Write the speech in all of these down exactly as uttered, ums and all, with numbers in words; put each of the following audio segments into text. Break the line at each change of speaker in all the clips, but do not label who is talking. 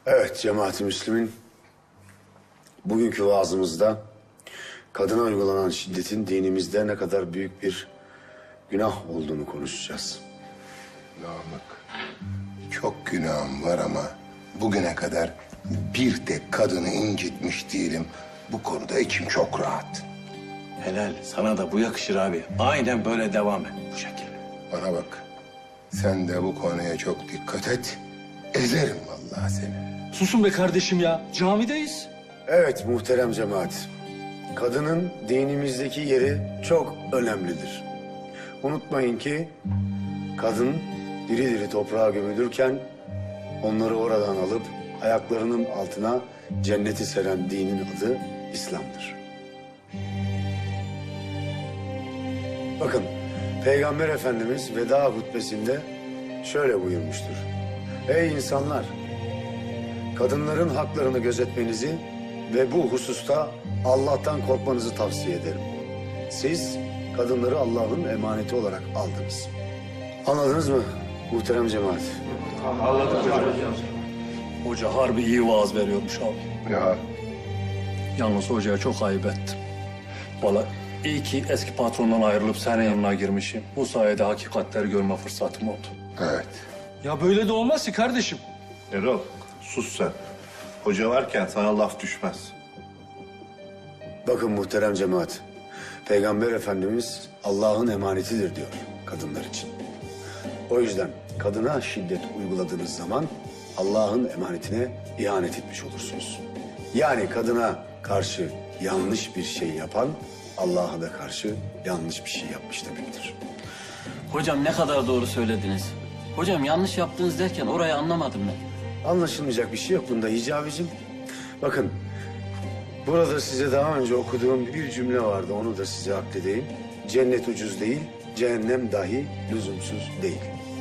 Evet cemaat-i Müslümin, bugünkü vaazımızda kadına uygulanan şiddetin dinimizde ne kadar büyük bir günah olduğunu konuşacağız.
Namık, çok günahım var ama bugüne kadar bir tek kadını incitmiş değilim. Bu konuda içim çok rahat.
Helal. Sana da bu yakışır abi. Aynen böyle devam et bu şekilde.
Bana bak, sen de bu konuya çok dikkat et. Ezerim vallahi seni.
Susun be kardeşim ya. Camideyiz.
Evet muhterem cemaat, kadının dinimizdeki yeri çok önemlidir. Unutmayın ki kadın diri diri toprağa gömülürken onları oradan alıp ayaklarının altına cenneti seren dinin adı İslam'dır. Bakın Peygamber Efendimiz veda hutbesinde şöyle buyurmuştur. Ey insanlar! Kadınların haklarını gözetmenizi ve bu hususta Allah'tan korkmanızı tavsiye ederim. Siz kadınları Allah'ın emaneti olarak aldınız. Anladınız mı muhterem cemaat?
Hoca harbi iyi vaaz veriyormuş abi.
Ya
Yalnız hocaya çok ayıp ettim. Valla iyi ki eski patrondan ayrılıp senin yanına girmişim. Bu sayede hakikatleri görme fırsatım oldu.
evet.
Ya böyle de olmaz ki kardeşim.
Erol, sus sen. Hoca varken sana laf düşmez.
Bakın muhterem cemaat, Peygamber Efendimiz Allah'ın emanetidir diyor kadınlar için. O yüzden kadına şiddet uyguladığınız zaman Allah'ın emanetine ihanet etmiş olursunuz. Yani kadına karşı yanlış bir şey yapan Allah'a da karşı yanlış bir şey yapmış demektir.
Hocam ne kadar doğru söylediniz. Hocam yanlış yaptınız derken orayı anlamadım ben.
Anlaşılmayacak bir şey yok bunda Hicabicim. Bakın, burada size daha önce okuduğum bir cümle vardı, onu da size akledeyim. Cennet ucuz değil, cehennem dahi lüzumsuz değil.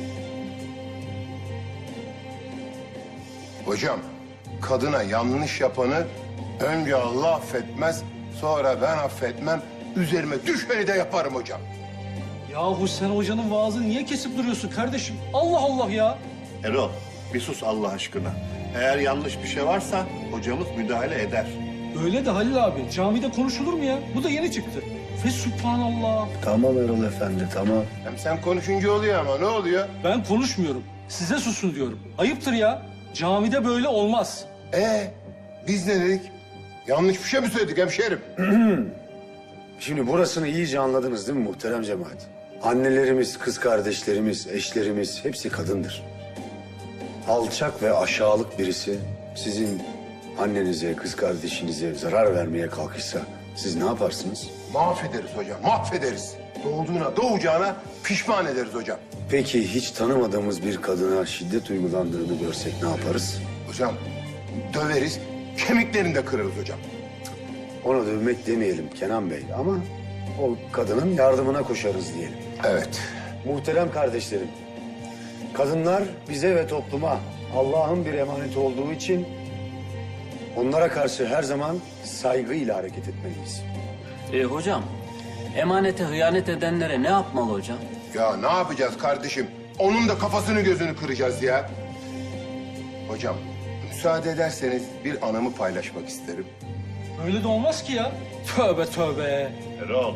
Hocam, kadına yanlış yapanı önce Allah affetmez, sonra ben affetmem. Üzerime düşeni de yaparım hocam.
Yahu sen hocanın vaazını niye kesip duruyorsun kardeşim? Allah Allah ya.
Erol, bir sus Allah aşkına. Eğer yanlış bir şey varsa hocamız müdahale eder.
Öyle de Halil abi. Camide konuşulur mu ya? Bu da yeni çıktı. Ve subhanallah.
Tamam Erol Efendi, tamam.
Hem sen konuşunca oluyor ama ne oluyor?
Ben konuşmuyorum. Size susun diyorum. Ayıptır ya. Camide böyle olmaz.
Ee, biz ne dedik? Yanlış bir şey mi söyledik hemşerim?
Şimdi burasını iyice anladınız değil mi muhterem cemaat? Annelerimiz, kız kardeşlerimiz, eşlerimiz hepsi kadındır. Alçak ve aşağılık birisi sizin annenize, kız kardeşinize zarar vermeye kalkışsa siz ne yaparsınız?
Mahvederiz hocam, mahvederiz. Doğduğuna, doğacağına pişman ederiz hocam.
Peki hiç tanımadığımız bir kadına şiddet uygulandığını görsek ne yaparız?
Hocam, döveriz, kemiklerini de kırarız hocam.
Ona dövmek demeyelim Kenan Bey ama o kadının yardımına koşarız diyelim.
Evet.
Muhterem kardeşlerim, kadınlar bize ve topluma Allah'ın bir emaneti olduğu için onlara karşı her zaman saygıyla hareket etmeliyiz.
E, hocam emanete hıyanet edenlere ne yapmalı hocam?
Ya ne yapacağız kardeşim? Onun da kafasını gözünü kıracağız ya. Hocam, müsaade ederseniz bir anımı paylaşmak isterim.
Öyle de olmaz ki ya. Tövbe tövbe.
Erol,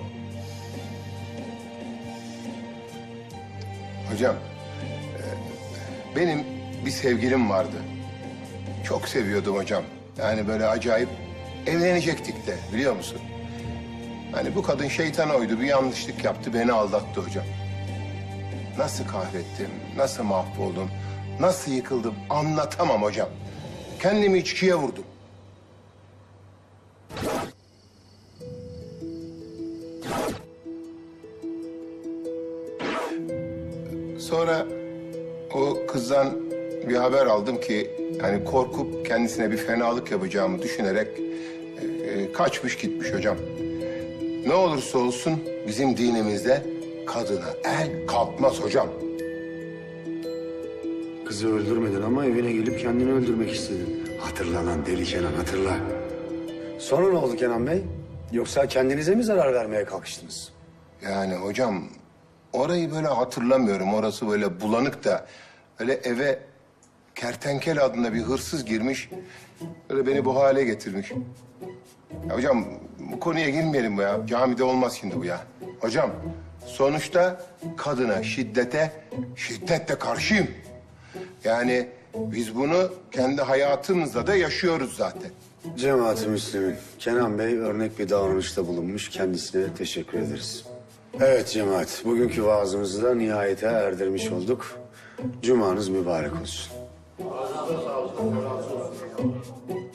Hocam, e, benim bir sevgilim vardı. Çok seviyordum hocam. Yani böyle acayip evlenecektik de biliyor musun? Hani bu kadın şeytana uydu, bir yanlışlık yaptı, beni aldattı hocam. Nasıl kahrettim, nasıl mahvoldum, nasıl yıkıldım anlatamam hocam. Kendimi içkiye vurdum. Sonra o kızdan bir haber aldım ki hani korkup kendisine bir fenalık yapacağımı düşünerek e, e, kaçmış gitmiş hocam. Ne olursa olsun bizim dinimizde kadına el kalkmaz hocam.
Kızı öldürmedin ama evine gelip kendini öldürmek istedin. Hatırla lan deli Kenan, hatırla. Sonra ne oldu Kenan Bey? Yoksa kendinize mi zarar vermeye kalkıştınız?
Yani hocam orayı böyle hatırlamıyorum. Orası böyle bulanık da öyle eve Kertenkele adında bir hırsız girmiş. Böyle beni bu hale getirmiş. Ya hocam bu konuya girmeyelim bu ya. Camide olmaz şimdi bu ya. Hocam sonuçta kadına şiddete şiddetle karşıyım. Yani biz bunu kendi hayatımızda da yaşıyoruz zaten.
Cemaat-i Müslümin, Kenan Bey örnek bir davranışta bulunmuş. Kendisine teşekkür ederiz. Evet cemaat, bugünkü vaazımızı da nihayete erdirmiş olduk. Cumanız mübarek olsun.